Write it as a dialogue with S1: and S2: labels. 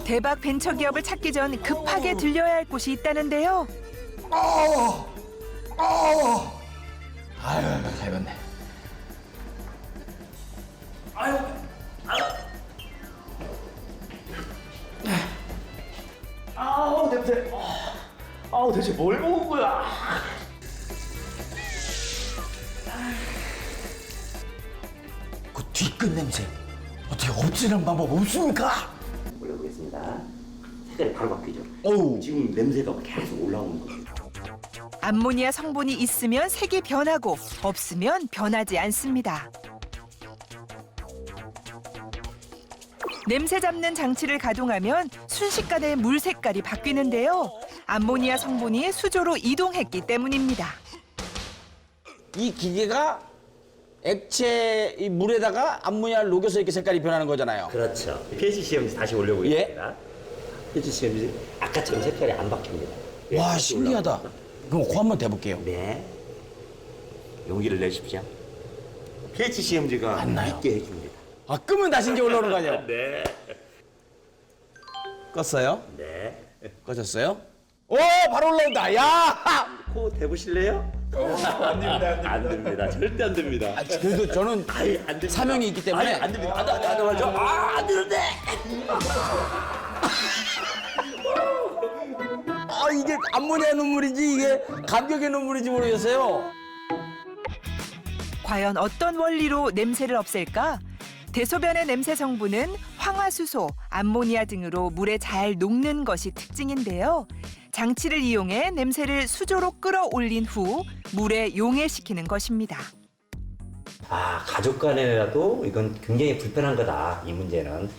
S1: 대박 벤처기업을 찾기 전 급하게 들려야 할 곳이 있다는데요.
S2: 아유, 잘 봤네.
S3: 아우 냄새. 아우 대체 뭘 먹은 거야?
S2: 그 뒤끝 냄새 어떻게 없애는 방법 없습니까?
S3: 올려보겠습니다. 색깔이 바로 바뀌죠.
S2: 어우.
S3: 지금 냄새가 계속 올라오는 거예요.
S1: 암모니아 성분이 있으면 색이 변하고 없으면 변하지 않습니다. 냄새 잡는 장치를 가동하면 순식간에 물 색깔이 바뀌는데요. 암모니아 성분이 수조로 이동했기 때문입니다.
S2: 이 기계가 액체 이 물에다가 암모니아를 녹여서 이렇게 색깔이 변하는 거잖아요.
S3: 그렇죠. pH 시험지 다시 올려보겠습니다. pH 시험지 아까처럼 색깔이 안 바뀝니다.
S2: 와,
S3: 다시
S2: 신기하다.
S3: 올라옵니다.
S2: 그럼 그 한번 대볼게요.
S3: 네. 용기를 내십시오. pH 시험지가
S2: 안 나요.
S3: 있게 해줍니다.
S2: 아, 끄면 다시 이제 올라오는 거 아니에요?
S3: 네.
S2: 껐어요?
S3: 네.
S2: 꺼졌어요? 오, 바로 올라온다. 야!
S3: 코 대보실래요? 안 됩니다. 안 됩니다. 절대 안 됩니다.
S2: 아, 그래도 저는
S3: 아예 안 됩니다.
S2: 사명이 있기 때문에.
S3: 아예 안 됩니다. 안 맞죠? 안 되는데.
S2: 아, 이게 암모니아 눈물인지 이게 감격의 눈물인지 모르겠어요.
S1: 과연 어떤 원리로 냄새를 없앨까? 대소변의 냄새 성분은 황화수소, 암모니아 등으로 물에 잘 녹는 것이 특징인데요. 장치를 이용해 냄새를 수조로 끌어올린 후 물에 용해시키는 것입니다.
S3: 아, 가족 간에라도 이건 굉장히 불편한 거다. 이 문제는.